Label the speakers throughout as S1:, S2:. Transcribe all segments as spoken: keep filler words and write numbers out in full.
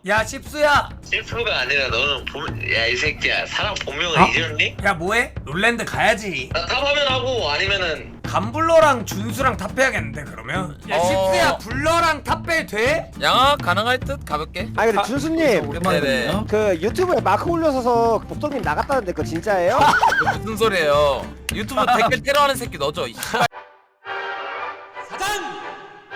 S1: 야 십수야.
S2: 실프가 아니라 너는 야 이 새끼야 사람 본명을
S1: 어?
S2: 잊었니?
S1: 야 뭐해? 롤랜드 가야지.
S2: 나 탑하면 하고 아니면은
S1: 감블러랑 준수랑 탑해야겠는데 그러면? 야
S3: 어.
S1: 십수야 블러랑 탑배 돼?
S3: 양아 가능할 듯 가볍게.
S4: 아니 근데 준수님
S3: 네네.
S4: 그 유튜브에 마크 올려서서 복덕님 나갔다는데 그거 진짜예요?
S3: 그 무슨 소리예요? 유튜브 댓글 테러하는 새끼 너죠? 이 씨발.
S1: 사장!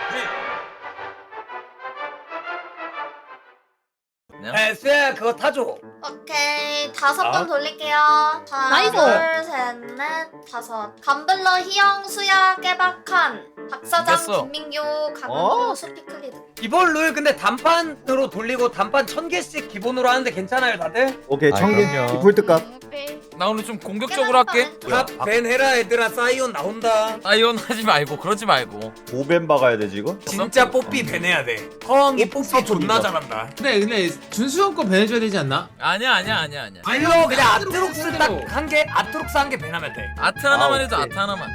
S3: 그냥?
S1: 에 수야 그거 타줘.
S5: 오케이 다섯
S1: 아.
S5: 번 돌릴게요. 하나
S6: 나이스.
S5: 둘셋넷 다섯. 감블러 희영 수야 깨박한 박사장
S3: 됐어.
S5: 김민규 강은호
S4: 어?
S5: 수피클리드.
S1: 이번 룰 근데 단판으로 돌리고 단판 천 개씩 기본으로 하는데 괜찮아요 다들?
S7: 오케이
S8: 아,
S7: 청개
S8: 그럼요.
S7: 디폴트 값.
S3: 나 오늘 좀 공격적으로 할게.
S1: 탑벤 해라 얘들아. 사이온 나온다.
S3: 아이온 하지 말고 그러지 말고.
S7: 오벤 박아야 되지 이거?
S1: 진짜 뽀삐 벤 해야 돼. 허엉이 뽀삐 존나 잘한다.
S8: 근데 근데 준수 형 거 배내줘야 되지 않나?
S3: 아니야 아니야 아니야 아니야.
S1: 아니요 그냥 아트록스
S8: 아트록스
S1: 딱 한 개, 아트록스 한 개 벤하면 돼.
S3: 아트 하나만
S7: 아,
S3: 해도
S7: 오케이.
S3: 아트 하나만.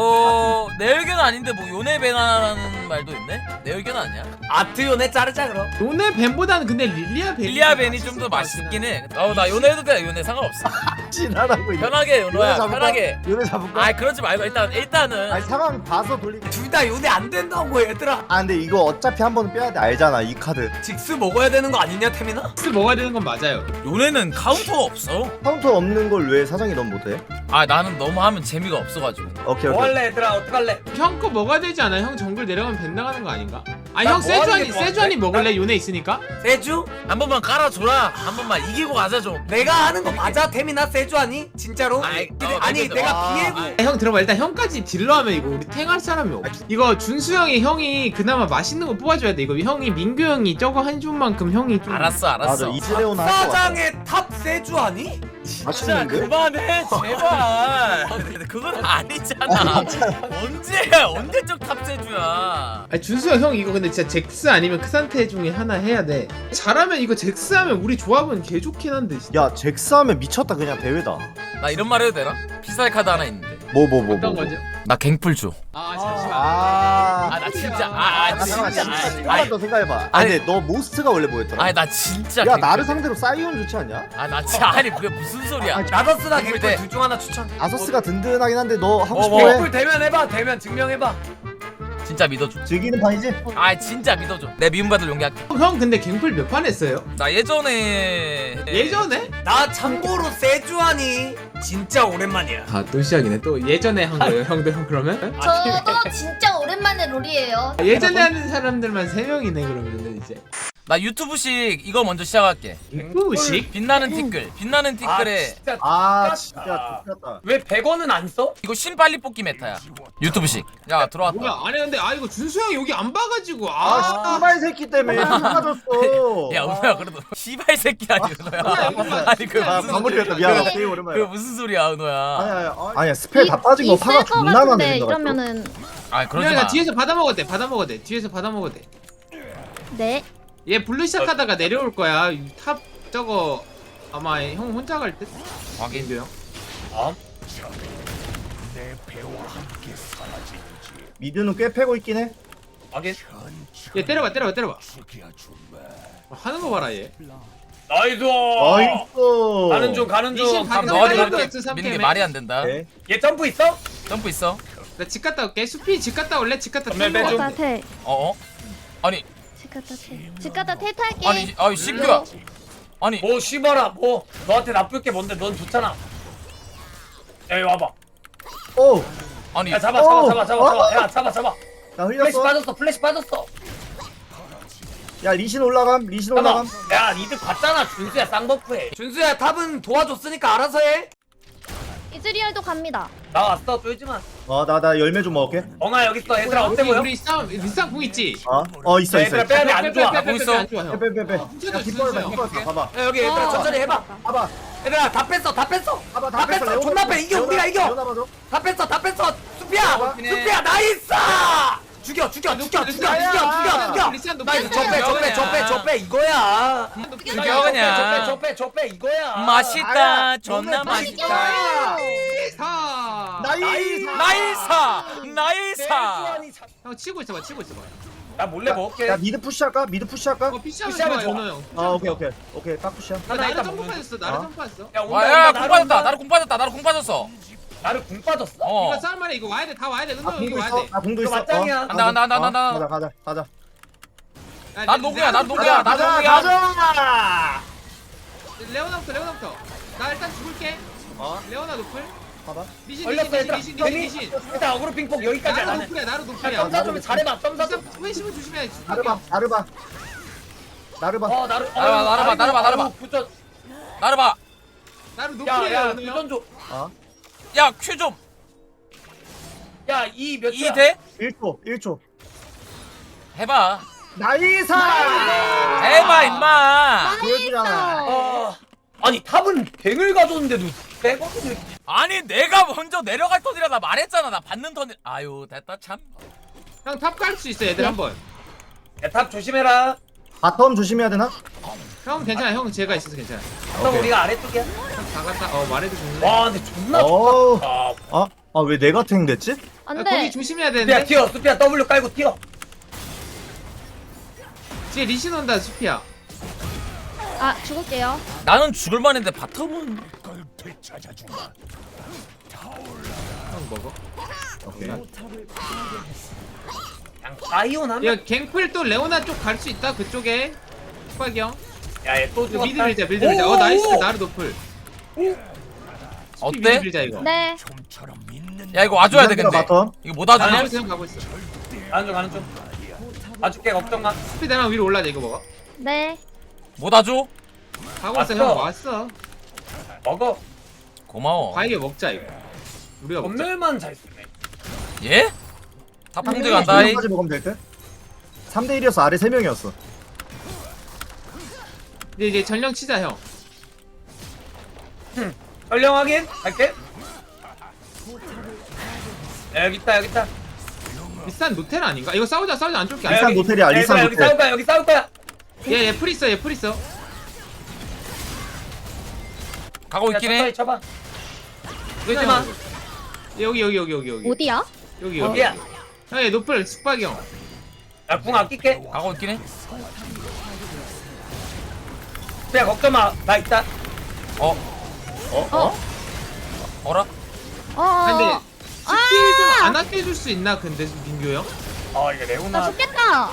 S3: 뭐 내 의견은 아닌데 뭐 요네 베나라는 말도 있네? 내 의견은 아니야.
S1: 아트요네 자르자 그럼.
S8: 요네 벤보다는 근데 릴리아 벤.
S3: 릴리아 벤이 좀 더 맛있긴 해. 어나 요네 해도 돼. 요네 상관없어.
S7: 진하라고 이거.
S3: 편하게 요노야
S7: 요네 잡을까?
S3: 편하게.
S7: 요네 잡을까?
S3: 아 그러지 말고 일단 일단은
S7: 아니 상황 봐서 돌리게.
S1: 둘 다 요네 안 된다고 얘들아.
S7: 아 근데 이거 어차피 한 번은 빼야 돼 알잖아 이 카드.
S1: 직스 먹어야 되는 거 아니냐 태민아?
S8: 스 먹어야 되는 건 맞아요.
S3: 요네는 카운터가 없어.
S7: 카운터 없는 걸 왜 사장이 넌 못해?
S3: 아 나는 너무 하면 재미가 없어가지고.
S7: 오케이
S1: 뭐
S7: 오케이.
S1: 할래 얘들아 어떡할래?
S8: 형 거 먹어야 되지 않아? 형 정글 내려가면 벤 나가는 거 아닌가? 아
S1: 나
S8: 형
S1: 뭐 하는
S8: 세주안이
S1: 게 좋아하는데?
S8: 세주안이 먹을래? 요네 있으니까?
S1: 세주?
S3: 한 번만 깔아줘라. 한 번만 이기고 가자 좀.
S1: 내가 하는 거 맞아 태민아? 세주 아니? 진짜로?
S3: 아이,
S1: 근데
S3: 어,
S1: 아니
S3: 근데-
S1: 내가
S7: 와.
S1: 비에고
S8: 아, 형 들어봐 일단 형까지 딜러 하면 이거 우리 탱할 사람이 없어. 이거 준수 형이 형이 그나마 맛있는 거 뽑아줘야 돼. 이거 형이 민규 형이 저거 한 줌만큼 형이 좀
S3: 알았어 알았어.
S7: 맞아 이즈레오나 할 것 같아.
S1: 사장의 탑 세주 아니?
S3: 진짜
S7: 맛있는데?
S3: 그만해 제발. 근데 그건 아니잖아. 언제 언제적 탑세주야.
S8: 아니 준수 형, 형 이거 근데 진짜 잭스 아니면 크산테 중에 하나 해야 돼. 잘하면 이거 잭스 하면 우리 조합은 개 좋긴 한데 진짜.
S7: 야 잭스 하면 미쳤다 그냥 대회다.
S3: 나 이런 말 해도 되나? 피살 카드 하나 있는데.
S7: 뭐 뭐 뭐 뭐.
S8: 어떤 거죠?
S3: 나 갱플 줘.
S8: 아 잠시만.
S7: 아.
S3: 아 나 진짜 아, 아
S7: 아, 잠깐만
S3: 진짜.
S7: 진짜
S3: 아니,
S7: 조금만 더 생각해봐.
S3: 아니.
S7: 아니 근데 너 모스트가 원래 뭐였더라?
S3: 아니 나 진짜.
S7: 야
S3: 갱플
S7: 나를
S3: 돼.
S7: 상대로 사이온 좋지 않냐?
S3: 아나 진짜 아니 그게 무슨 소리야?
S1: 나더스나
S3: 갱플
S1: 갱플
S3: 돼.
S1: 둘 중 하나 추천.
S7: 아서스가 든든하긴 한데 너 하고
S3: 어,
S7: 싶어
S3: 뭐.
S7: 해?
S1: 갱플 대면 해봐. 대면 증명해봐.
S3: 진짜 믿어줘.
S7: 즐기는 판이지?
S3: 아 진짜 믿어줘. 내 미움받을 용기 할게.
S8: 형, 형 근데 갱플 몇 판 했어요?
S3: 나 예전에
S8: 예전에?
S1: 나 참고로 세주 아니 진짜 오랜만이야.
S8: 아 또 시작이네. 또 예전에 한 거예요 형들 형 그러면?
S5: 저도 진짜 오랜만에 롤이에요.
S8: 아, 예전에 하는 사람들만 세 명이네 그러면 이제.
S3: 나 유튜브식 이거 먼저 시작할게.
S8: 갱플식?
S3: 빛나는 티끌. 빛나는
S1: 아
S3: 티끌에
S1: 진짜.
S7: 아
S1: 똑같다.
S7: 진짜 똑같다.
S1: 왜 백 원은 안 써?
S3: 이거 신 빨리 뽑기 메타야. 유튜브식. 야 들어왔다.
S8: 뭐야? 아니 근데 아 이거 준수 형 여기 안 봐가지고
S7: 아
S8: 아.
S7: 씨발 새끼 때문에 빠졌어.
S3: 야 은호야 그래도 시발 새끼 아니 은호야. 아니 그
S7: 아
S3: 무슨
S7: 마무리했다
S3: 소리야.
S7: 미안하다. 되게
S3: 그
S7: 오랜만이야.
S3: 무슨 소리야 은호야.
S7: 아니 아니 아니야 스펠 다 빠진 거 파가 존나 많네
S6: 같은데
S7: 생각할까?
S6: 이러면은
S3: 아 그러지
S8: 그냥
S3: 마.
S8: 뒤에서 받아 먹어도 돼. 받아 먹어도 돼. 뒤에서 받아 먹어도 돼.
S6: 네.
S8: 얘 블루 시작하다가 내려올 거야. 탑 저거 아마 형 혼자 갈 듯.
S3: 확인.
S8: 민규 형.
S7: 미드는 꽤 패고 있긴 해.
S1: 확인.
S8: 얘 때려봐 때려봐 때려봐. 어, 하는 거 봐라 얘.
S1: 나이스.
S7: 나이스.
S1: 가는 중 가는 중.
S8: 미신
S3: 그럼
S8: 가-
S3: 너가
S8: 빨리
S3: 저렇게
S8: 들어갔어, 삼
S3: 미는 게
S8: 캠에.
S3: 말이 안 된다.
S7: 오케이.
S1: 얘 점프 있어?
S3: 점프 있어.
S8: 나 집 갔다 올게. 수피 집 갔다 올래? 집 갔다
S1: 전멸
S8: 텔
S1: 빼줘.
S8: 먹어.
S6: 갔다 태.
S3: 어 어? 아니
S6: 집 갔다 태. 집 갔다 태 탈게.
S3: 아니 아이 시크야. 아니
S1: 뭐 씨발아 뭐 너한테 나쁠 게 뭔데? 넌 좋잖아. 야 여기 와봐.
S7: 오.
S3: 아니
S1: 야 잡아 잡아
S7: 어.
S1: 잡아 잡아 잡아. 야 잡아 잡아.
S7: 나
S1: 플래시
S7: 흘렸어.
S1: 빠졌어. 플래시 빠졌어.
S7: 야 리신 올라감. 리신
S1: 잠깐만.
S7: 올라감.
S1: 야 니들 봤잖아. 준수야 쌍버프해. 준수야 탑은 도와줬으니까 알아서 해.
S6: 이즈리얼도 갑니다.
S1: 나왔어 쫄지마.
S7: 어나 나 열매 좀 먹을게.
S1: 엉아 여기 있어. 얘들아 어때
S8: 우리
S1: 보여?
S8: 우리 싸움 리쌍 궁 있지?
S7: 어? 어 있어
S1: 야,
S7: 있어.
S1: 얘들아
S7: 있어.
S1: 빼야 돼. 안 좋아.
S8: 빼, 빼, 빼,
S3: 뭐
S8: 빼,
S3: 있어?
S8: 안 좋아, 형.
S7: 빼빼빼빼. 야
S8: 훔쳐줘,
S7: 뒷벌봐
S8: 준수야.
S7: 뒷벌봐. 봐봐.
S1: 야, 여기 얘들아
S6: 어.
S1: 천천히 해봐.
S7: 봐봐.
S1: 얘들아 다 뺐어 다 뺐어.
S7: 봐봐
S1: 다 뺐어. 존나 빼. 이겨 우리가 이겨. 다 뺐어 다 뺐어. 수피야. 수피야 나이스. 죽여 죽여 죽여 죽여 죽여 죽여 죽여. 나이스 저빼 저빼 저빼 저빼 이거야.
S3: 죽여 그냥.
S1: 저빼 저빼 이거야.
S3: 맛있다.
S7: 아야,
S3: 존나
S7: 너네
S3: 맛있다.
S8: 사.
S7: 나이스.
S3: 나이사 나이사.
S8: 형 치고 있어봐 치고 있어봐.
S1: 나 몰래 먹을게.
S7: 야 미드 푸시할까? 미드 푸시할까?
S8: 어 피시하면
S1: 피시하면
S8: 좋아
S1: 좋아.
S8: 연호 형.
S7: 아 오케이 오케이 오케이 딱 푸시야.
S8: 야,
S1: 하나
S8: 나를
S1: 일단
S8: 점프
S1: 먹는
S8: 빠졌어. 나를
S7: 어?
S8: 점프 빠졌어.
S1: 야, 온다,
S3: 와야
S1: 온다,
S3: 궁
S1: 나를
S3: 빠졌다
S1: 온다.
S3: 나를 궁 빠졌다 나를 궁 빠졌어
S1: 나를 궁 빠졌어.
S3: 어
S8: 이거 싸움만해 이거 와야 돼. 다 와야 돼.
S7: 아
S8: 은호 형
S7: 공도
S8: 이거 와야
S7: 있어.
S8: 돼.
S7: 아 공도
S1: 이거
S7: 있어.
S1: 맞짱이야.
S7: 어,
S3: 간다, 간다, 간다,
S7: 어,
S3: 간다.
S7: 가자 가자 가자.
S8: 야,
S3: 난
S8: 내-
S3: 노구야 난
S8: 내가
S3: 노구야 난
S7: 가자
S3: 노구야
S7: 가자.
S8: 레오나부터 레오나부터. 나 일단 죽을게.
S7: 어?
S8: 레오나 노플.
S7: 봐봐.
S8: 리신
S1: 걸렸어
S8: 리신
S1: 얘들아.
S8: 리신 리신 리신 리신.
S1: 일단 어그로 핑퐁 여기까지
S8: 나로
S1: 안 해.
S8: 노플이야 나로
S1: 야,
S8: 노플이야.
S1: 점사 좀 잘해봐. 점사 좀.
S8: 회심을 조심해.
S7: 나르바 나르바. 나르바.
S1: 어 나를.
S3: 나를 봐, 나를 봐, 나를 봐, 나를 봐.
S1: 부전.
S3: 나를 봐야
S8: 나로 노플이야
S1: 야야
S8: 은호 형.
S1: 부전 줘.
S7: 어?
S3: 큐 좀
S1: 야이 몇
S3: 이
S1: 초야?
S3: 대?
S7: 일 초 일 초.
S3: 해봐
S7: 나이사.
S3: 해봐 임마
S7: 보여주잖아.
S1: 어. 아니 탑은 뱅을 가져오는데도 빼거든.
S3: 아니 내가 먼저 내려갈 턴이라 나 말했잖아 나 받는 턴이 아유 됐다 참
S8: 형 탑 갈 수 있어 얘들 한번.
S1: 야탑 조심해라.
S7: 바텀 조심해야 되나?
S8: 형 괜찮아. 형 제가 있어서 괜찮아.
S1: 형 우리가 아래쪽이야.
S8: 다 갔다. 어 말해도 좋네.
S1: 와 근데 존나
S7: 어우.
S1: 좋다.
S7: 아, 아 왜 내가 탱 됐지?
S8: 야,
S6: 안
S8: 거기
S6: 돼.
S8: 조심해야
S1: 야
S8: 되는데.
S1: 튀어. 수피야 W 깔고 튀어.
S8: 뒤에 리신 온다 수피야.
S6: 아, 죽을게요.
S3: 나는 죽을만 했는데 바텀은
S8: 형 먹어.
S7: 오케이.
S1: 그냥 바이온 하면.
S8: 야 갱플 또 레오나 쪽 갈 수 있다 그쪽에. 수박이 형.
S1: 야얘또
S8: 이거 미드 밀자 미드 밀자. 어 나이스 나르 노플. 미드
S3: 어때?
S8: 밀자 이거.
S6: 네.
S3: 야 이거 와줘야 돼
S7: 미드가
S3: 근데
S7: 바텀.
S3: 이거 못 와주냐?
S8: 가고 있어 형 가고 있어.
S1: 가는 중 가는 중. 봐줄게 걱정 마.
S8: 수피 내랑 위로 올라야 돼 이거 먹어.
S6: 네.
S3: 못 와줘?
S8: 가고 있어
S1: 왔어.
S8: 형 왔어.
S1: 먹어.
S3: 고마워
S8: 바이게 먹자 이거. 우리가 먹자.
S1: 전멸만 잘 쓰네.
S3: 예? 탑풍대 간다이
S7: 까지 먹으면 될 듯? 삼 대 일이어서 아래 세 명이었어.
S8: 근데 이제 전령 치자 형.
S1: 전령 확인. 갈게. 야, 여기 있다 여기 있다.
S8: 리산 노텔 아닌가? 이거 싸우자 싸우자 안 쫄게.
S1: 야,
S7: 리산
S1: 여기-
S7: 노텔이야,
S1: 야,
S7: 리산
S1: 얘들아, 여기
S7: 노텔.
S1: 싸울 거야 여기 싸울 거야.
S8: 얘얘 풀 있어 얘 풀 있어.
S3: 가고
S1: 야
S3: 있긴
S1: 천천히
S3: 해
S1: 쳐봐.
S8: 그러지 마. 여기 여기 여기 여기 여기.
S6: 어디야?
S8: 여기 여기.
S1: 여기야.
S8: 형얘 노플 숙박이 형.
S1: 나궁 아낄게.
S3: 가고 있긴 해
S1: 야 걱정 마. 나 있다.
S3: 어?
S7: 어? 어?
S3: 어라?
S6: 어, 어.
S8: 근데
S6: 어.
S8: 스킬 좀 안 아껴줄 수 있나 근데 민규 형?
S1: 어 이거
S6: 나
S1: 레오나.
S6: 죽겠다.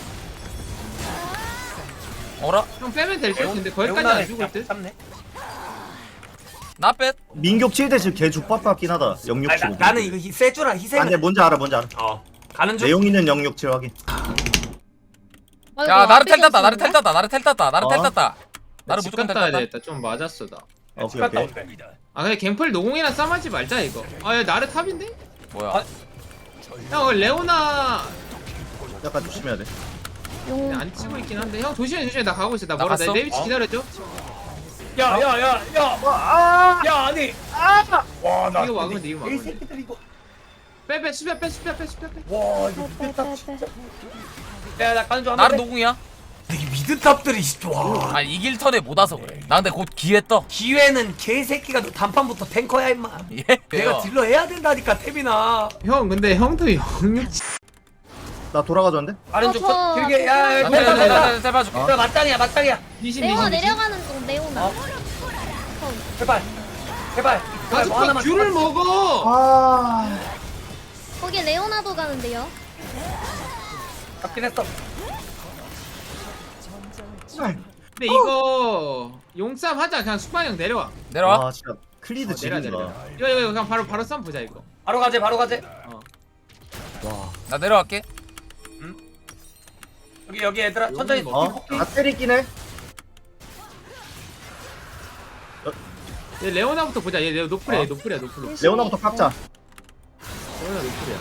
S3: 어라?
S8: 형 빼면 될 듯? 근데 거기까지
S1: 레오나를
S8: 안 죽을
S1: 그냥
S8: 듯?
S1: 잡네.
S3: 나 뺐?
S7: 민격 칠 대 칠 개 족밥 같긴 하다. 영육
S1: 아니,
S7: 칠.
S1: 나, 나는 이거 희- 세주라 희생.
S7: 아, 근데 뭔지 알아, 뭔지 알아.
S1: 어 가는 중.
S7: 내용이는 영육 칠 확인.
S6: 아이고,
S3: 야 나를
S6: 앞에
S3: 텔 땄다 나를
S6: 있었는데?
S3: 텔 땄다 나를 텔 땄다 나를 텔
S7: 어?
S3: 땄다 나를
S8: 집
S3: 무조건 텔
S8: 갔다 와야
S3: 땄다
S8: 되겠다. 좀 맞았어 나.
S7: 오케이,
S1: 갔다
S7: 오케이.
S1: 온대.
S8: 아 근데 갱플 노공이랑 싸움하지 말자 이거. 아야 나르 탑인데?
S3: 뭐야
S1: 아,
S8: 형 어, 레오나
S7: 약간 조심해야 돼.
S6: 용.
S8: 안 치고 있긴 한데 형 조심해 조심해 나 가고 있어. 나
S3: 나
S8: 멀어.
S3: 갔어?
S8: 내 위치
S1: 어?
S8: 기다려줘.
S1: 야야야야.
S7: 아!
S1: 야 아니. 아. 와나
S8: 이거 막으면 돼 이거
S1: 이
S8: 막으면 돼.
S1: 새끼들 이거.
S8: 빼빼 수비야 빼 수비야 빼 수비야 빼.
S1: 와 이거
S6: 빼,
S1: 미드탑
S6: 빼,
S1: 진짜.
S6: 빼.
S1: 야나 가는 중.
S3: 나를 노궁이야?
S1: 이 미드탑들이 와.
S3: 아니 이길 턴에 못 와서 그래 나 근데 곧 기회 떠
S1: 기회는 개새끼가 너 단판부터 탱커야 임마.
S3: 예?
S1: 내가
S3: 왜요?
S1: 딜러 해야 된다니까 태빈아.
S8: 형 근데 형도 영육
S7: 나 돌아가졌는데?
S1: 다른 쪽
S6: 어, 저-
S1: 길게 야야
S3: 나
S1: 텔
S3: 텔, 텔,
S1: 봐.
S3: 텔, 텔 봐줄게
S1: 야 맞짱이야 맞짱이야.
S8: 리신
S6: 레오나
S8: 리신 리신.
S6: 내려가는 중, 레오나.
S1: 어? 제발 제발. 제발 뭐
S8: 가스파
S1: 하나만.
S8: 귤을 먹어.
S7: 아.
S6: 거기 레오나도 가는데요.
S1: 잡긴 했어.
S8: 근데 이거 용싸움 하자. 그냥 숙박이 형 내려와.
S3: 내려와
S7: 아, 진짜 클리드
S8: 어, 내려와
S7: 지린다.
S8: 내려와. 이거 이거 이거 그냥 바로 바로 싸움 보자 이거.
S1: 바로 가재 바로 가재.
S7: 와.
S3: 나 내려갈게
S1: 여기 여기 얘들아 천천히.
S7: 어? 아, 때리긴 해.
S8: 얘 레오나부터 보자. 얘 레오 노플이야.
S7: 어?
S8: 얘 노플이야 노플.
S7: 레오나부터 깎자.
S8: 레오나 노플이야.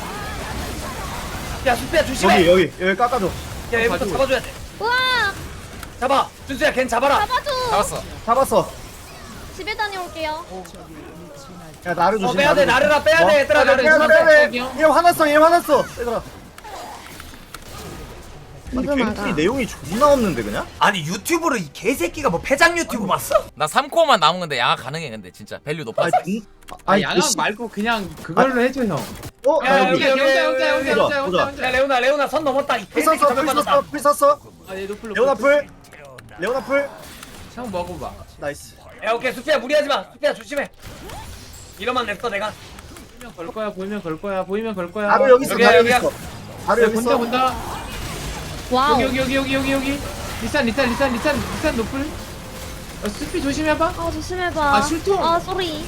S1: 야 수피야 조심해.
S7: 여기, 여기, 여기 깎아줘.
S1: 야 얘부터
S8: 가지고.
S1: 잡아줘야 돼.
S6: 우와!
S1: 잡아. 준수야 걘 잡아라.
S6: 잡아줘!
S3: 잡았어
S7: 잡았어.
S6: 집에 다녀올게요.
S7: 야, 나를
S1: 어
S7: 조심해.
S1: 빼야 돼 나르라 빼야 돼 얘들아.
S8: 나를
S7: 빼야 돼,
S8: 조심해.
S7: 빼야 돼. 얘 화났어, 얘 화났어. 얘들아. 아니,
S6: 이거
S7: 갱플이
S6: 막아.
S7: 내용이 존나 없는데, 그냥?
S1: 아니 유튜브로 이 개새끼가 뭐 패장 유튜브 봤어?
S3: 나 삼 코어만 남은 건데 양악 가능해 근데 진짜 밸류 높아
S7: 아니, 진-
S8: 아니
S7: 아니,
S8: 양악
S7: 씨.
S8: 말고 그냥 그걸로 해줘 형.
S7: 어?
S8: 야
S7: 나
S8: 여기
S7: 여기.
S8: 혼자 혼자 혼자 혼자 혼자
S7: 보자,
S8: 혼자.
S1: 야 레오나 레오나 선 넘었다. 이
S7: 풀
S1: 개새끼
S7: 썼어
S1: 저격
S7: 풀
S1: 받았다.
S7: 썼어 풀 썼어.
S8: 아얘 노플
S7: 레오나 풀. 레오나 풀.
S8: 형 먹어봐.
S7: 나이스.
S1: 야 오케이 수피야 무리하지 마. 수피야 조심해. 이러만 냈어 내가.
S8: 보이면 걸 거야 보이면 걸 거야 보이면 걸 거야.
S7: 바로 여기 있어
S1: 여기야,
S7: 바로 여기
S1: 여기야.
S7: 있어. 바로
S8: 야,
S7: 여기
S8: 본다
S7: 있어.
S8: 본다.
S6: 와우.
S8: 여기 여기 여기 여기 여기 여기. 리산 리산 리산 리산 리산 노플. 어, 스피 조심해봐.
S6: 아 조심해봐.
S8: 아, 술통.
S6: 아 쏘리.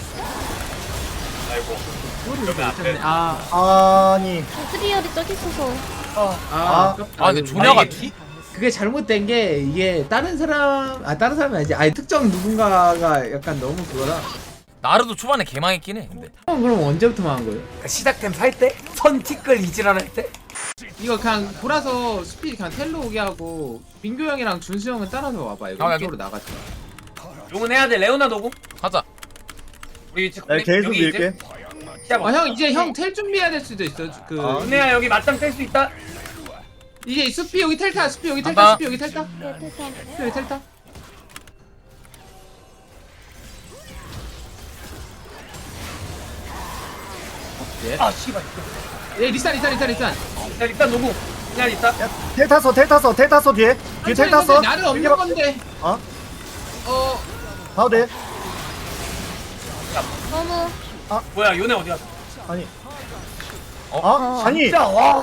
S8: 아,
S7: 아니.
S6: 트리얼이 저기 있어서.
S8: 아,
S7: 아.
S3: 아 근데 조냐가
S8: 아니,
S3: 뒤?
S8: 그게 잘못된 게 이게 다른 사람 아 다른 사람이 아니지 아니 특정 누군가가 약간 너무 그거라.
S3: 나르도 초반에 개망했긴 해 근데.
S8: 형 그럼 언제부터 망한 거예요?
S1: 그러니까 시작템 살 때? 선 티끌 이지랄 할 때?
S8: 이거 그냥 돌아서 스피드 그냥 텔로 오게 하고 민규 형이랑 준수 형은 따라서 와봐 이거
S3: 아,
S8: 이쪽으로 나가자.
S1: 용은 해야 돼. 레오나 노고.
S3: 하자.
S1: 우리 위치
S7: 나 계속
S1: 여기 이제
S7: 밀게.
S1: 시작.
S8: 아 형 이제 형 텔 준비해야 될 수도 있어. 그
S7: 아.
S1: 은혜야 여기 맞짱 뗄 수 있다.
S8: 이제 수피 여기 텔타 수피 여기 텔타
S3: 간다.
S8: 수피 여기 텔타
S6: 네, 됐어.
S8: 수피 여기 텔타.
S1: 아 씨발.
S8: 예 리산 리산 리산 리산.
S1: 야 일단 노고. 그냥 있다.
S7: 야, 텔 탔어 텔 탔어 텔 탔어 뒤에. 뒤에 텔 탔어.
S8: 나를 없는
S7: 이게
S8: 건데.
S7: 어?
S8: 어
S7: 봐도 돼.
S6: 너무.
S1: 뭐야 요네 어디 갔어?
S7: 아니.
S3: 어?
S7: 어? 아니.
S1: 진짜 와.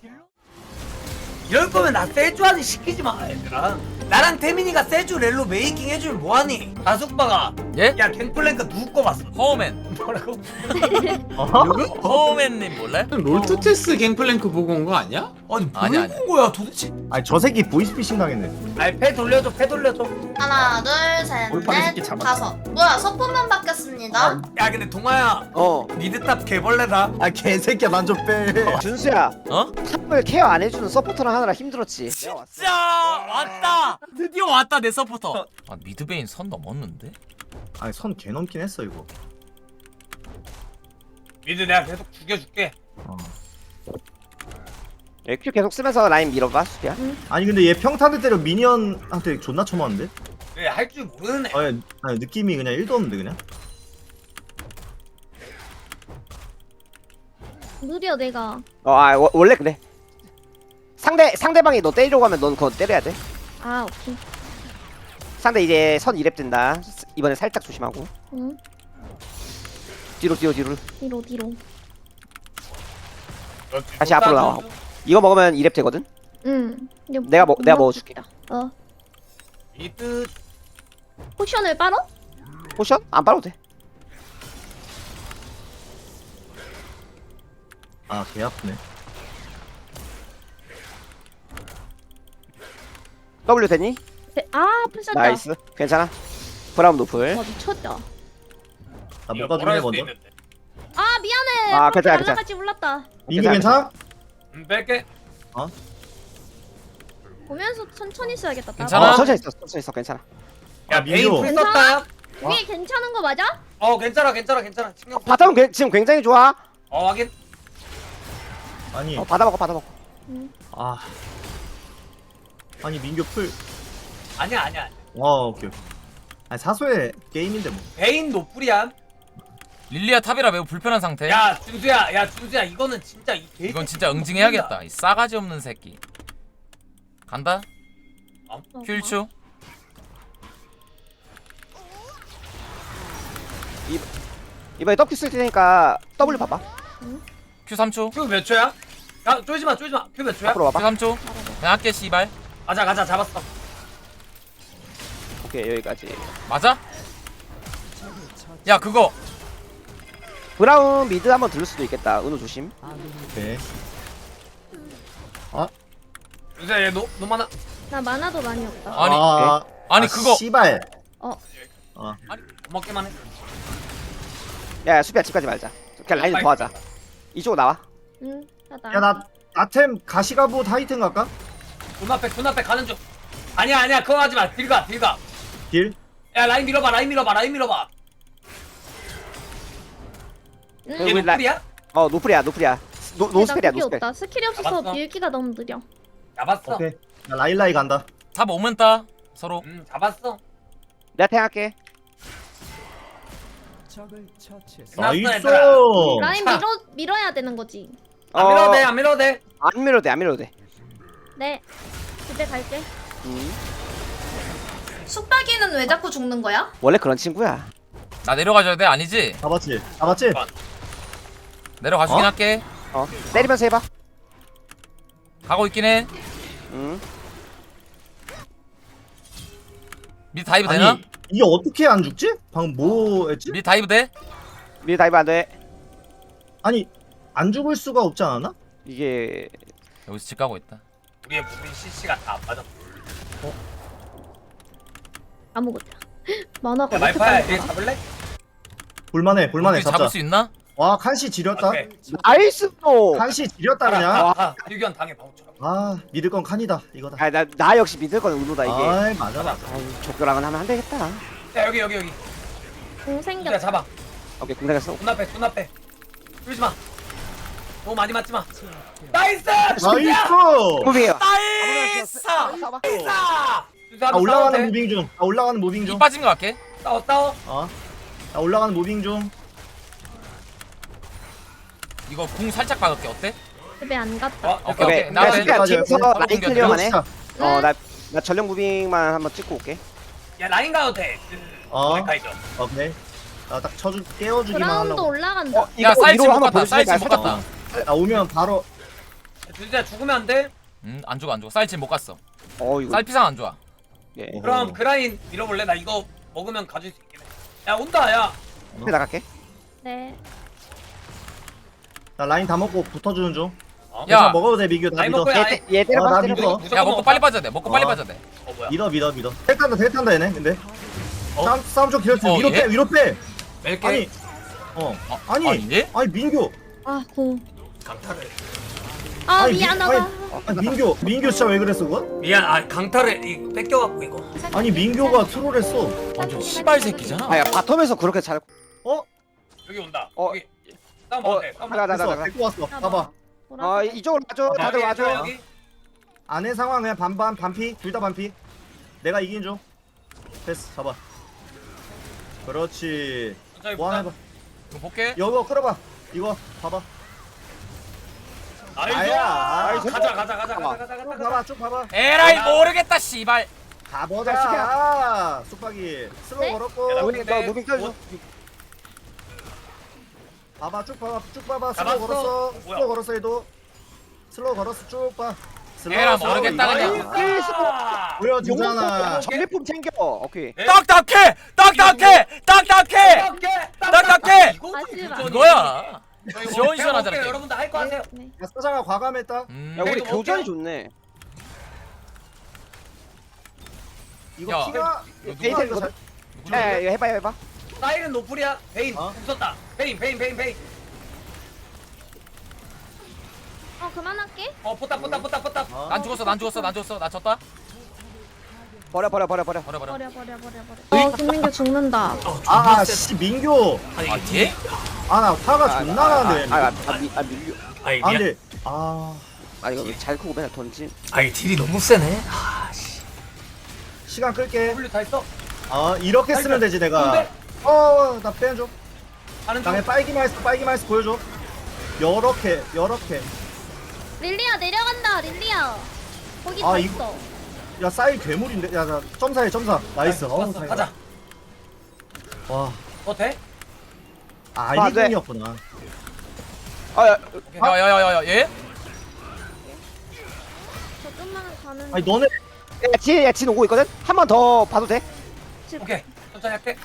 S1: 이럴 거면 나 세주한테 시키지 마 얘들아. 나랑 태민이가 세주 렐로 메이킹 해주면 뭐하니? 다숙바가
S3: 예?
S1: 야 갱플랭크 누구 거 봤어?
S3: 허우맨.
S1: 뭐라고?
S7: 어허?
S3: 허우맨님 몰래?
S8: 롤토테스 갱플랭크 보고 온 거 아니야?
S1: 아니
S3: 아니, 아니.
S1: 본 거야 도대체?
S7: 아니 저 새끼 보이스피싱 당했네.
S1: 아니 패 돌려줘 패 돌려줘.
S5: 하나 둘셋넷
S7: 올파리 새끼 잡았어.
S5: 다섯. 뭐야 서포만 바뀌었습니다.
S1: 야 근데 동아야
S4: 어.
S1: 미드탑 개벌레다.
S7: 아 개새끼야 난 좀 빼.
S4: 준수야
S3: 어?
S4: 탑을 케어 안 해주는 서포터랑 하느라 힘들었지.
S3: 진짜 왔다. 드디어 왔다 내 서포터. 아 미드베인 선 넘었는데?
S7: 아니 선 개 넘긴 했어 이거.
S1: 미드 내가 계속 죽여줄게.
S7: 어.
S4: 예, 큐 계속 쓰면서 라인 밀어봐 수비야.
S7: 아니 근데 얘 평타를 때려 미니언한테 존나 쳐맞는데?
S1: 왜 할 줄 모르는 애.
S7: 아니, 아니 느낌이 그냥 일도 없는데 그냥?
S6: 느려 내가.
S4: 어, 아 워- 원래 그래. 상대 상대방이 너 때리려고 하면 넌 그거 때려야 돼.
S6: 아 오케이.
S4: 상대 이제 선 이랩 된다. 이번에 살짝 조심하고.
S6: 응.
S4: 뒤로 뒤로 뒤로.
S6: 뒤로 뒤로.
S4: 다시 앞으로 나와. 이거 먹으면 이랩 되거든.
S6: 응. 이거
S4: 내가 먹 내가 먹어줄게.
S6: 어.
S1: 미드
S6: 포션을 빨어?
S4: 포션 안 빨아도 돼.
S7: 아 개 아프네.
S4: W 되니?
S6: 네. 아 풀셨다.
S4: 나이스. 괜찮아. 브라운 노플.
S6: 와 미쳤다.
S7: 나 뭐가 중요해 먼저.
S6: 아 미안해.
S4: 아,
S6: 아,
S4: 괜찮아,
S6: 날라갈지 몰랐다.
S7: 민규 괜찮아?
S1: 음, 뺄게.
S6: 보면서 천천히 써야겠다. 나도.
S3: 괜찮아?
S4: 어, 천천히 있어. 천천히 있어. 괜찮아.
S1: 야
S7: 아,
S1: 베인
S7: 민규.
S1: 풀 썼다.
S6: 그게 괜찮은 거 맞아?
S1: 어 괜찮아 괜찮아 괜찮아. 신경 써.
S4: 바텀은 괴- 지금 굉장히 좋아.
S1: 어 확인.
S7: 아니
S4: 어, 받아 먹어. 받아 먹어.
S7: 아 아니 민규 풀.
S1: 아니야 아니야. 아니야.
S7: 와 오케이 오케이. 아니 사소의 게임인데 뭐.
S1: 베인 노플이야.
S3: 릴리아 탑이라 매우 불편한 상태.
S1: 야 준수야 야 준수야 이거는 진짜 이 개.
S3: 이건 진짜 응징해야겠다. 이 싸가지 없는 새끼. 간다.
S6: 어,
S3: 큐일추.
S4: 이번에 W 쓸 테니까 W 봐봐.
S3: 큐 삼 초.
S1: 큐 몇 초야? 야 쫄지 마 쫄지 마. 큐 몇 초야?
S4: 앞으로
S3: 큐
S4: 와봐.
S3: 삼 초. 그냥 할게 씨발.
S1: 가자 가자 잡았어.
S4: 오케이 여기까지.
S3: 맞아? 야 그거
S4: 브라운 미드 한번 들을 수도 있겠다. 은우 조심.
S7: 오케이.
S1: 준수야 얘너 너만
S6: 나 만화도 많이 없다.
S3: 아니
S7: 아,
S3: 아니
S7: 아,
S3: 그거
S7: 씨발.
S6: 어.
S7: 어.
S1: 먹기만 해.
S4: 야 수비야 집 가지 말자. 그냥 라인 더 하자. 이쪽으로 나와.
S6: 응. 나다.
S7: 야나 나템 가시가부 타이튼 갈까?
S1: 눈앞에 눈앞에 가는 중. 아니야 아니야 그거 하지 마. 딜가 딜가.
S7: 딜?
S1: 야 라인 밀어봐 라인 밀어봐 라인 밀어봐.
S6: 응.
S1: 얘
S4: 우리 라-
S1: 노플이야?
S4: 어 노플이야 노플이야. 노 노스펠이야
S6: 그게
S4: 노스펠.
S6: 없다. 스킬이 없어서
S1: 잡았어.
S6: 밀기가 너무 느려.
S1: 잡았어.
S7: 오케이. 나 라일라이 간다.
S3: 탑 오면 따 서로.
S1: 음 잡았어.
S4: 내가 탱할게.
S7: 나이스.
S6: 라인 밀어 밀어야 되는 거지.
S1: 안 밀어도 돼, 안 밀어도 돼.
S4: 안 밀어도 돼, 안 밀어도 돼.
S6: 네. 집에 갈게.
S4: 음.
S5: 숙박이는 왜 자꾸 죽는 거야?
S4: 원래 그런 친구야.
S3: 나 내려가줘야 돼? 아니지?
S7: 잡았지? 잡았지?
S3: 내려가주긴
S7: 어?
S3: 할게.
S4: 어, 때리면서 해봐.
S3: 가고 있긴 해.
S4: 음.
S3: 미드 다이브 되나?
S7: 아니 이게 어떻게 안 죽지? 방금 뭐 했지?
S3: 미드 다이브 돼?
S4: 미드 다이브 안 돼.
S7: 아니 안 죽을 수가 없지 않았나?
S4: 이게
S3: 여기서 집 가고 있다.
S1: 우리의 무빙 씨씨가 다 안 맞아.
S6: 아무것도. 만화가
S1: 야,
S6: 왜 이렇게
S1: 말파야,
S6: 빨리
S1: 얘
S6: 나가?
S1: 잡을래?
S7: 볼만해 볼만해
S3: 우리
S7: 잡자.
S3: 잡을 수 있나?
S7: 와 칸시 지렸다.
S1: 오케이.
S4: 나이스 또.
S7: 칸시 지렸다 그냥.
S1: 아, 유견 당해 바보처럼.
S7: 아 믿을 건 칸이다 이거다.
S4: 아, 나, 나 역시 믿을 건 은우다 이게.
S7: 아이 맞아 맞아.
S4: 아유, 족교랑은 하면 안 되겠다.
S1: 야, 여기, 여기, 여기.
S6: 공
S1: 야,
S6: 생겼다.
S1: 잡아.
S4: 오케이, 공략했어.
S1: 존나 빼, 존나 빼. 뚫지 마. 너무 많이 맞지 마. 나이스!
S7: 나이스.
S4: 무빙이요.
S3: 나이스!
S4: 싸봐.
S1: 나이스!
S7: 아 올라가는 무빙 중. 아 올라가는 무빙
S3: 이
S7: 중.
S3: 빠진 거 갈게.
S1: 싸워, 싸워.
S7: 어. 아 올라가는 무빙 중.
S3: 이거 궁 살짝 박을게. 어때?
S6: 집에 안 갔다.
S1: 어,
S3: 오케이,
S4: 오케이.
S3: 오케이.
S4: 나
S3: 나도
S4: 수비야 뒤에서
S3: 바로
S4: 라인
S3: 공격
S4: 클리어만 해.
S7: 자,
S4: 어, 나, 나 전력 무빙만 한번 찍고 올게.
S1: 야, 라인 가도 돼.
S7: 어.
S1: 가이죠.
S7: 오케이. 나 딱 쳐주 깨워주기만
S6: 브라운드
S7: 하려고.
S6: 올라간다.
S4: 어,
S3: 야, 사이즈
S4: 위로
S3: 못
S4: 한번
S3: 갔다.
S4: 보여줄래?
S3: 사이즈 못
S4: 살짝
S3: 갔다.
S7: 나 오면 바로.
S1: 진짜 죽으면 안 돼?
S3: 음, 안 죽어, 안 죽어. 사이즈 못 갔어.
S4: 어, 이거.
S3: 쌀피상 안 좋아.
S4: 예.
S1: 그럼 그 라인 밀어볼래? 나 이거 먹으면 가질 수 있긴 해. 야, 온다, 야.
S4: 앞에 나갈게.
S6: 네.
S7: 나 라인 다 먹고 붙어주는 중.
S1: 어?
S3: 야.
S7: 야 먹어도 돼 미규 나
S1: 라인
S7: 믿어.
S1: 먹고 야,
S4: 얘, 얘 때려봐,
S7: 어, 나
S4: 때려봐.
S7: 믿어.
S1: 무조건
S3: 야, 먹고
S1: 먹어.
S3: 빨리 빠져야 돼. 먹고 빨리
S7: 어.
S3: 빠져야 돼.
S1: 어, 뭐야?
S7: 믿어 믿어 믿어. 대 탄다 대 탄다 얘네 근데.
S1: 어?
S7: 싸움 싸움 좀 길었지.
S3: 어,
S7: 위로
S3: 얘?
S7: 빼 위로 빼.
S1: 멜게.
S7: 아니. 어.
S3: 어,
S7: 아니.
S3: 아닌데?
S7: 아니 민규.
S6: 아 공.
S1: 강타를.
S6: 아
S7: 아니, 미-
S6: 미안하다.
S7: 아니, 아니 민규 민규 진짜 왜 그랬어 그건?
S1: 미안, 아, 강타를 이 뺏겨갖고 이거.
S7: 아니 민규가 트롤했어.
S3: 완전 씨발 새끼잖아.
S4: 아, 야, 바텀에서 그렇게 잘.
S7: 어?
S1: 여기 온다.
S4: 어.
S1: 여기. 싸움
S4: 어,
S1: 봐도 돼. 싸움
S4: 나가,
S1: 봐도 돼.
S4: 나가,
S7: 됐어
S4: 나가.
S7: 데리고 왔어. 봐봐.
S4: 어, 이쪽으로 와줘.
S1: 어,
S4: 다들
S1: 여기,
S4: 와줘.
S1: 여기.
S7: 안에 상황 그냥 반반 반피 둘 다 반피. 내가 이긴 중. 됐어 잡아. 그렇지.
S1: 천천히
S7: 뭐 하나 해봐.
S1: 보자.
S3: 이거 볼게.
S7: 이거 끌어봐. 이거 봐봐.
S1: 나이스.
S7: 아야.
S1: 가자, 가자, 가자, 가자, 가자, 가자,
S7: 쭉
S1: 가자.
S7: 봐봐 쭉 봐봐.
S3: 에라이 모르겠다 씨발.
S7: 가보자. 쑥박이 슬로우
S6: 네?
S7: 걸었고.
S1: 야, 나
S4: 무빙, 너 무빙 켜줘.
S7: 봐봐 쭉 봐봐 쭉 봐봐. 슬로우
S1: 잡았어.
S7: 걸었어.
S1: 뭐야?
S7: 슬로우 걸었어 얘도. 슬로우 걸었어 쭉 봐. 슬로우,
S3: 에라
S7: 슬로우.
S3: 모르겠다,
S7: 이거
S3: 그냥.
S1: 아!
S7: 보여주잖아.
S4: 전리품 챙겨. 오케이.
S1: 네?
S3: 딱딱해! 딱딱해! 딱딱해! 딱딱해!
S1: 이거
S6: 하지마.
S3: 이거야.
S1: 저희
S3: 시원시원하잖아, 게임.
S1: 여러분들 할 거 하세요.
S6: 네.
S7: 야 사장아 과감했다.
S3: 음.
S4: 야, 우리
S1: 이거
S4: 교전이
S1: 먹게요.
S4: 좋네.
S7: 이거
S3: 야,
S7: 피가
S3: 이거 누가
S7: 피가 이거 잘.
S4: 야, 야, 이거 해봐, 해봐.
S1: 사이렌 노플이야. 베인
S7: 어?
S1: 웃었다. 베인, 베인, 베인, 베인.
S6: 어 그만할게.
S1: 어, 포탑, 포탑, 포탑, 포탑.
S7: 어?
S3: 난 죽었어, 난 죽었어, 난 죽었어. 나 졌다.
S4: 버려, 버려, 버려, 버려.
S3: 버려, 버려.
S6: 버려 버려 버려 버려. 어 김민규 죽는다.
S7: 아, 씨 민규.
S3: 아, 뒤에?
S7: 아, 나 화가 존나 나는데.
S4: 아, 아, 아, 미, 아, 밀려.
S1: 아이,
S7: 아, 근데 아,
S4: 아, 이거 잘 크고 맨날 던짐.
S1: 아이, 딜이 너무 세네.
S7: 시간 끌게.
S1: W 다 했어?
S7: 아, 이렇게 쓰면 되지 내가.
S1: 근데?
S7: 어, 나 빼줘.
S1: 하는 중.
S7: 다음에 빨기 마이스, 빨기 마이스 보여줘. 요렇게, 요렇게.
S6: 릴리야 내려간다. 릴리야. 거기
S7: 아,
S6: 다
S7: 이거-
S6: 있어.
S7: 야, 싸이 괴물인데. 야, 나 점사해, 점사. 나이스. 어우,
S1: 좋았어.
S7: 다행이다.
S1: 가자.
S7: 와,
S1: 어, 돼?
S7: 아,
S4: 아, 네.
S7: 이분이었구나.
S4: 아, 야,
S3: 야, 야, 야, 야, 야, 얘?
S6: 저 좀만 가는.
S7: 아니, 너네
S4: 야, 뒤에, 야, 진 오고 있거든? 한 번 더 봐도 돼?
S1: 오케이. 천천히 할게.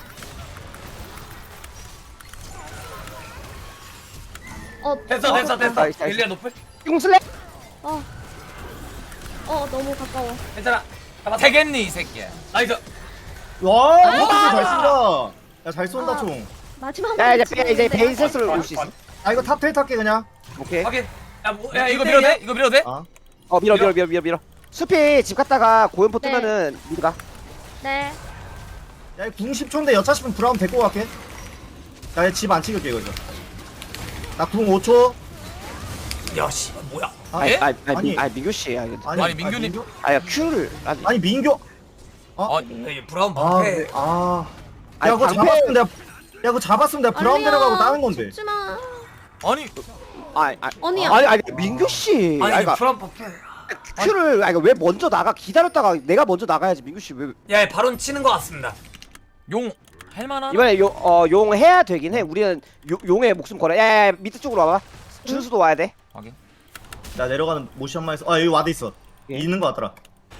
S6: 어
S1: 됐어, 됐어, 됐어.
S4: 나이스, 나이스.
S1: 릴리아 노플?
S4: 용슬래?
S6: 어. 어 너무 가까워.
S1: 괜찮아. 잡았어.
S3: 되겠니, 이 새끼야.
S1: 나이스.
S7: 와, 어떻게 잘 쏜다. 야, 잘 쏜다,
S6: 아.
S7: 총.
S6: 마지막.
S4: 야, 이제, 빼, 이제 베인 센스로 올 수 있어.
S7: 아, 이거 탑텔 탈게, 그냥.
S4: 오케이.
S1: 확인. 야, 뭐,
S3: 야,
S1: 야,
S3: 이거
S1: 일 대
S3: 밀어도 돼?
S1: 일이야?
S3: 이거 밀어도 돼?
S7: 아,
S4: 어, 밀어, 밀어, 밀어, 밀어, 밀어. 숲이 집 갔다가 고연포
S6: 네.
S4: 뜨면은 미드 가.
S6: 네.
S7: 야, 궁 십 초인데 여차 싶으면 브라운 데리고 갈게. 나 집 안 찍을게, 이거. 이제. 나 궁 오 초.
S1: 야, 씨, 뭐야?
S7: 아,
S3: 예?
S4: 아, 아, 아,
S7: 아니.
S4: 미, 아, 민규 씨, 아, 이거.
S3: 아니, 민규님.
S4: 아, 야, Q를. 아,
S7: 아니 민규.
S3: 어,
S1: 야, 브라운
S7: 아,
S1: 방패.
S7: 네. 아. 야,
S4: 아니,
S7: 그거
S4: 방패-
S7: 잡았으면 내가 그거 잡았으면 내가 브라운 데려가고 따는 건데.
S6: 죽지마.
S3: 아니
S4: 아니 아니
S6: 아니야.
S4: 아니 아니 민규 씨.
S1: 아니
S4: 아니, 그러니까
S1: 브라운 버프
S4: 큐를 아니 왜 먼저 나가 기다렸다가 내가 먼저 나가야지 민규 씨 왜
S1: 야 바론 치는 거 같습니다.
S3: 용 할만한?
S4: 이번에 용어용 해야 되긴 해. 우리는 요, 용의 목숨 걸어. 야야 밑에 쪽으로 와봐. 준수도 와야 돼.
S3: 확인.
S7: 나 내려가는 모션만 해서 아 여기 와드 있어.
S4: 예.
S7: 있는 거 같더라.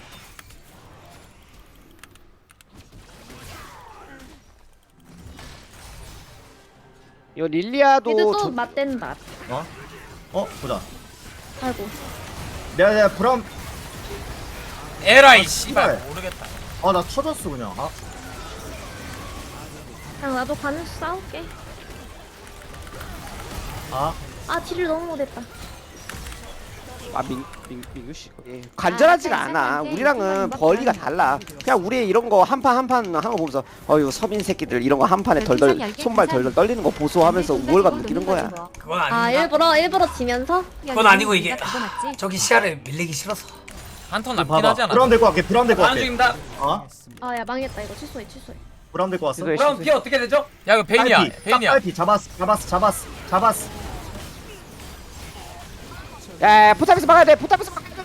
S4: 이거 릴리아도
S6: 미드 또
S4: 저-
S6: 맞댄다.
S7: 어? 어 보자.
S6: 아이고.
S7: 내가 내가 브라운
S3: 에라이 씨발
S7: 씨발.
S3: 모르겠다.
S7: 아 나 터졌어 그냥. 아
S6: 그냥 나도 가는 싸울게.
S7: 아.
S6: 아 딜을 너무 못했다.
S4: 아 민, 민, 민규 씨 예. 간절하지가
S6: 아,
S4: 않아.
S6: 잠깐,
S4: 우리랑은
S6: 잠깐,
S4: 벌리가
S6: 잠깐.
S4: 달라. 그냥 우리 이런 거 한 판 한 판 하는 거 보면서 어유 서민 새끼들 이런 거 한 판에 덜덜 손발 덜덜 떨리는 거 보소하면서 우월감 느끼는 거야.
S1: 그건
S6: 아
S1: 아닙니다.
S6: 일부러 일부러 지면서.
S1: 그건 아니고 이게 저기 시야를 밀리기 싫어서.
S3: 한 턴 남긴
S7: 봐봐.
S3: 하지 않아?
S7: 브라운 데리고 갈게. 브라운 데리고
S1: 다음
S7: 갈게.
S1: 중입니다.
S7: 어?
S6: 아야 망했다 이거 취소해 취소해.
S7: 브라운 데리고 왔어.
S4: 이거
S1: 브라운 피 어떻게 되죠?
S3: 야 이거 베인이야
S7: 딸피,
S3: 베인이야.
S7: 딸피 잡았어. 잡았어. 잡았어. 잡았어.
S4: 야, 야 포탑에서 막아야 돼. 포탑에서 막아야 돼.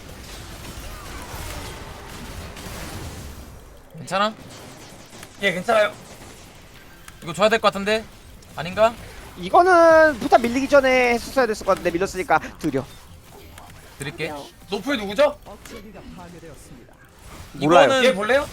S3: 괜찮아?
S1: 예 괜찮아요.
S3: 이거 줘야 될 것 같은데? 아닌가?
S4: 이거는 포탑 밀리기 전에 했었어야 됐을 것 같은데 밀렸으니까 드려.
S3: 드릴게.
S1: 노플 누구죠?
S4: 몰라요.
S3: 이거는
S1: 얘 볼래요?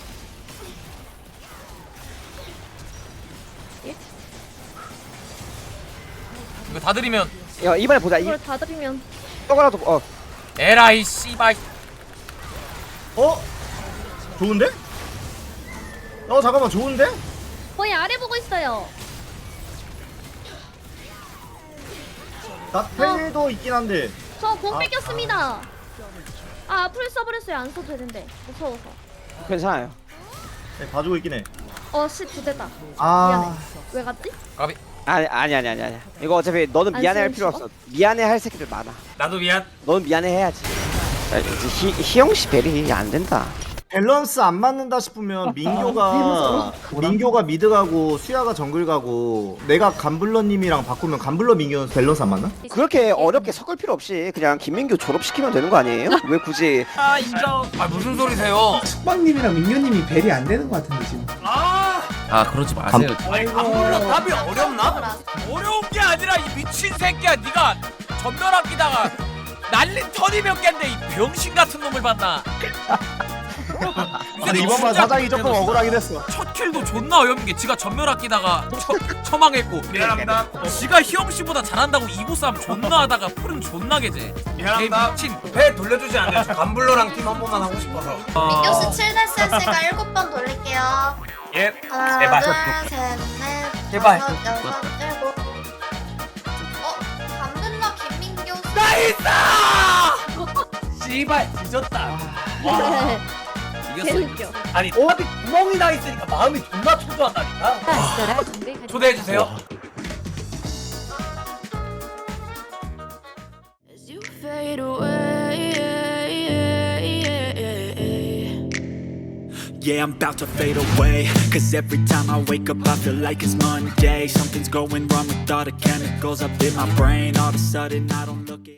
S3: 이거 다 드리면
S4: 야, 이번에 보자. 이
S6: 이걸 다 드리면.
S4: 떡이라도 어.
S3: 에라이 씨발.
S7: 어? 좋은데? 어 잠깐만 좋은데?
S6: 거의 아래 보고 있어요.
S7: 나 텔도 있긴 한데.
S6: 저 공
S7: 아,
S6: 뺏겼습니다. 아 풀 써버렸어요. 안 써도 되는데 무서워서.
S4: 괜찮아요.
S7: 네, 봐주고 있긴 해.
S6: 어씨 두대다.
S7: 아.
S6: 미안해. 왜 갔지?
S3: 까비.
S4: 아니 아니 아니 아니 아니. 이거 어차피 너는
S6: 안
S4: 미안해 할
S6: 쓰는
S4: 필요
S6: 식으로?
S4: 없어. 미안해 할 새끼들 많아.
S1: 나도 미안.
S4: 너는 미안해 해야지. 야, 이제 희 희영 씨 베리 안 된다.
S7: 밸런스 안 맞는다 싶으면 민교가 민교가 미드 가고 수야가 정글 가고 내가 간블러님이랑 바꾸면 간블러 민교 밸런스 안 맞나?
S4: 그렇게 어렵게 섞을 필요 없이 그냥 김민규 졸업시키면 되는 거 아니에요? 왜 굳이
S3: 아 인정.
S1: 아 무슨 소리세요?
S8: 숙박님이랑 민규님이 벨이 안 되는 것 같은데 지금.
S1: 아
S3: 아 그러지 마세요.
S1: 아니 안 불러 답이 어렵나?
S3: 어려운 게 아니라 이 미친 새끼야. 네가 전멸 아끼다가 날린 턴이 몇 갠데 이 병신 같은 놈을 봤나?
S7: 아니 이번만 사장이 조금 억울하긴 했어.
S3: 첫 킬도 존나 어려운 게 지가 전멸 아끼다가 처, 처망했고
S1: 미안합니다.
S3: 지가 희영 씨보다 잘한다고 이보 싸움 존나 하다가 풀은 존나 개제.
S1: 미안합니다.
S3: 미친.
S1: 배 돌려주지 않아요. 저 간블러랑 팀 한 번만 하고 싶어서.
S5: 민규 씨 칠 대 센스가 일곱 번 돌릴게요.
S1: 예.
S5: 하나,
S1: 제발.
S5: 둘, 셋, 넷,
S1: 제발.
S5: 다섯, 여섯, 일곱. 어? 감블러 김민규 씨.
S1: 나이스! 씨발 뒤졌다. 와.
S6: 개웃겨.
S1: 아니 탑이 구멍이 나 있으니까 마음이 존나 초조하다니까. 초대해 주세요.
S9: As you fade away,
S10: yeah, I'm about to fade away. Cause every time I wake up I feel like it's Monday. Something's going wrong with all the chemicals up in my brain. All of a sudden I don't look at